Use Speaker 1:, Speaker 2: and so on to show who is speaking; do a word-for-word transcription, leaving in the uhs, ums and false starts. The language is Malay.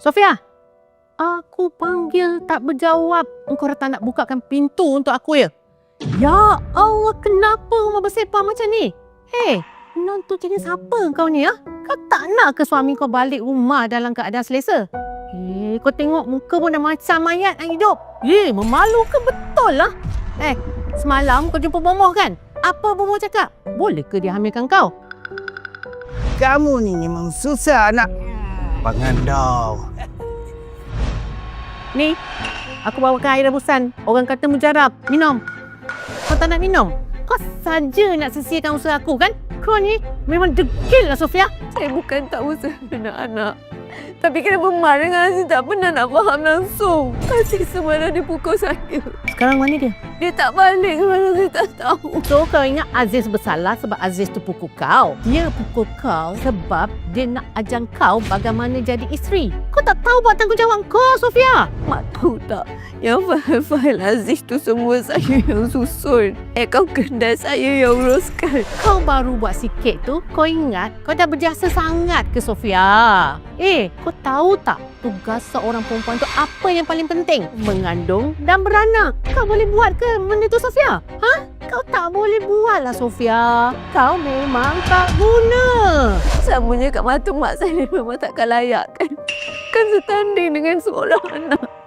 Speaker 1: Sofia, aku panggil tak berjawab. Engkau datang nak bukakan pintu untuk aku ya? Ya Allah, kenapa rumah bersepah macam ni? Hei, menantu jenis siapa kau ni ya? Kau tak nak ke suami kau balik rumah dalam keadaan selesa? Hei, kau tengok muka pun dah macam mayat yang hidup. Hei, memalukan betul lah. Eh, semalam kau jumpa Bomoh kan? Apa Bomoh cakap? Boleh ke dia hamilkan kau?
Speaker 2: Kamu ni memang susah nak pengandau.
Speaker 1: Ni, aku bawakan air rebusan. Orang kata mujarab. Minum. Kau tak nak minum? Kau saja nak sisihkan usaha aku kan? Kau ni memang degil lah Sofia.
Speaker 3: Saya bukan tak usaha anak-anak. Tapi kenapa Mar dengan Aziz tak pernah nak faham langsung. Aziz semalam dia pukul saya.
Speaker 1: Sekarang mana dia?
Speaker 3: Dia tak balik semalam, saya tak tahu.
Speaker 1: So kau ingat Aziz bersalah sebab Aziz tu pukul kau? Dia pukul kau sebab dia nak ajar kau bagaimana jadi isteri. Kau tak tahu buat tanggungjawab kau, Sofia.
Speaker 3: Mak tahu tak? Yang file-file Aziz tu semua saya yang susun. Akaun kedai saya yang uruskan.
Speaker 1: Kau baru buat sikit tu, kau ingat kau dah berjasa sangat ke Sofia? Eh, kau tahu tak tugas seorang perempuan tu apa yang paling penting? Mengandung dan beranak. Kau boleh buat ke benda tu, Sofia? Ha? Kau tak boleh buat lah, Sofia. Kau memang tak guna.
Speaker 3: Samanya kat mata mak saya memang takkan layak kan? Kan setanding dengan seorang anak.